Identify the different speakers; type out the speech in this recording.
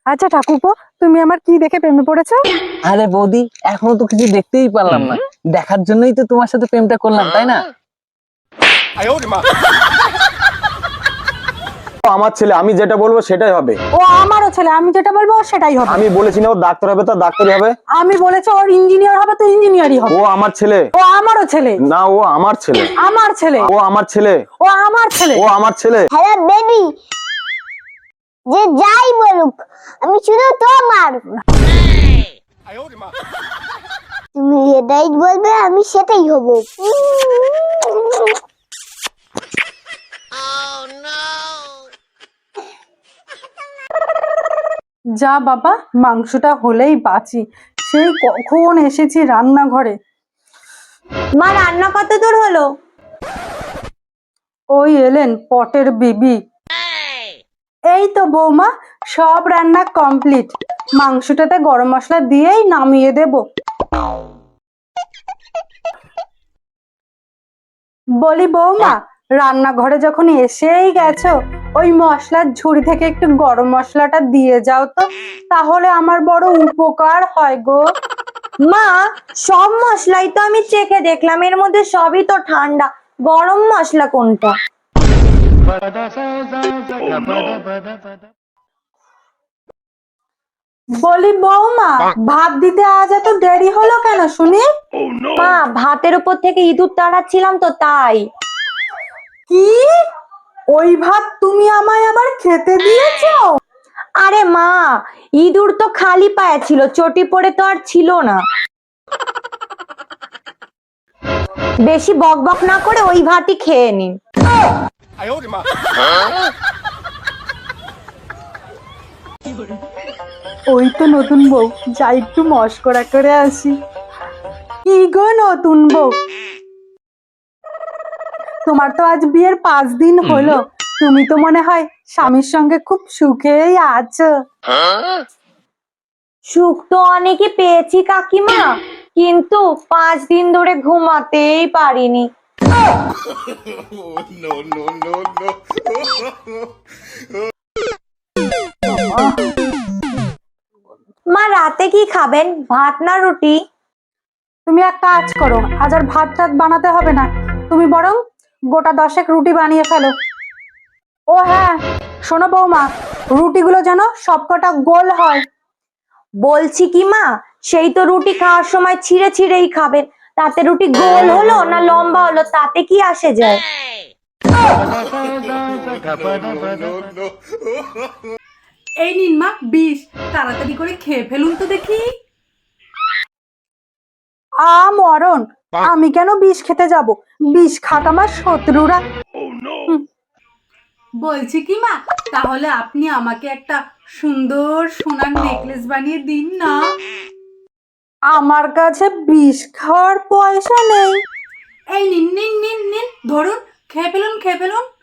Speaker 1: আচ্ছা ঠাকুরপো, তুমি আমার কি দেখে প্রেমে পড়েছো?
Speaker 2: আরে বৌদি, এখনো তো কিছু দেখতেই পারলাম না। দেখার জন্যই তো তোমার সাথে প্রেমটা করলাম, তাই না?
Speaker 3: আমার ছেলে, আমি যেটা বলবো সেটাই হবে।
Speaker 1: ও আমারও ছেলে, আমি যেটা বলবো ওর সেটাই হবে।
Speaker 3: আমি বলেছি না ও ডাক্তার হবে, তা ডাক্তারই হবে।
Speaker 1: আমি বলেছি ওর ইঞ্জিনিয়ার হবে তো ইঞ্জিনিয়ারই হবে।
Speaker 3: ও আমার ছেলে।
Speaker 1: ও আমারও ছেলে।
Speaker 3: না, ও আমার ছেলে।
Speaker 1: আমার ছেলে।
Speaker 3: ও আমার ছেলে।
Speaker 1: ও আমার ছেলে।
Speaker 3: ও আমার ছেলে।
Speaker 4: হ্যালো বেবি, যে যাই বলুক আমি শুধু তোমার। তুমি যেটাই বলবে আমি সেটাই হব।
Speaker 1: যা বাবা, মাংসটা হলেই বাঁচি। সেই কখন এসেছি রান্নাঘরে।
Speaker 4: মা রান্না কত দূর হলো?
Speaker 1: ওই এলেন পটের বিবি। এই তো বৌমা, সব রান্না কমপ্লিট। মাংসটাতে গরম মশলা দিয়েই নামিয়ে দেব। বলি বৌমা, রান্নাঘরে যখন এসেই গেছো, ওই মশলার ঝুড়ি থেকে একটু গরম মশলাটা দিয়ে যাও তো, তাহলে আমার বড় উপকার হয় গো।
Speaker 4: মা, সব মশলাই তো আমি চেখে দেখলাম, এর মধ্যে সবই তো ঠান্ডা, গরম মশলা কোনটা?
Speaker 1: বলি বৌমা, ভাত দিতে আজ এত দেরি হলো কেন শুনি?
Speaker 4: মা, ভাতের উপর থেকে ইঁদুর তাড়াচ্ছিলাম তো তাই।
Speaker 1: কি? ওই ভাত তুমি আমায় আবার খেতে দিয়েছো?
Speaker 4: আরে মা, ইঁদুর তো খালি পায়ে ছিল, চটি পড়ে তো আর ছিল না। বেশি বকবক না করে ওই ভাতই খেয়ে নিন।
Speaker 1: ওই তো নতুন বউ, যাই একটু মস্করা করে আসি। কি গো নতুন বউ, তোমার তো আজ বিয়ের 5 দিন হলো। তুমি তো মনে হয় স্বামীর সঙ্গে খুব সুখেই আছো।
Speaker 4: সুখ তো অনেকই পেয়েছি কাকিমা, কিন্তু 5 দিন ধরে ঘুমাতেই পারিনি। মা, রাতে কি খাবেন, ভাত না রুটি?
Speaker 1: তুমি এক কাজ করো, আজ আর ভাত টাত বানাতে হবে না। তুমি বরং গোটা 10 রুটি বানিয়ে ফেলো। ও হ্যাঁ, শোনো বৌমা, রুটিগুলো যেন সবকটা গোল হয়।
Speaker 4: বলছি কি মা, সেই তো রুটি খাওয়ার সময় ছিঁড়ে ছিঁড়েই খাবেন, তাতে রুটি গোল হলো না লম্বা হলো তাতে কি আসে যায়?
Speaker 1: এই নিন মা বিষ, তাড়াতাড়ি করে খেয়ে ফেলুন তো দেখি। মরণ, আমি কেন বিষ খেতে যাব? বিষ খাক আমার শত্রুরা। বলছি কি মা, তাহলে আপনি আমাকে একটা সুন্দর সোনার নেকলেস বানিয়ে দিন না। আমার কাছে বিষ খাওয়ার পয়সা নেই। এই নিন নিন নিন নিন, ধরুন, খেয়ে ফেলুন খেয়ে ফেলুন।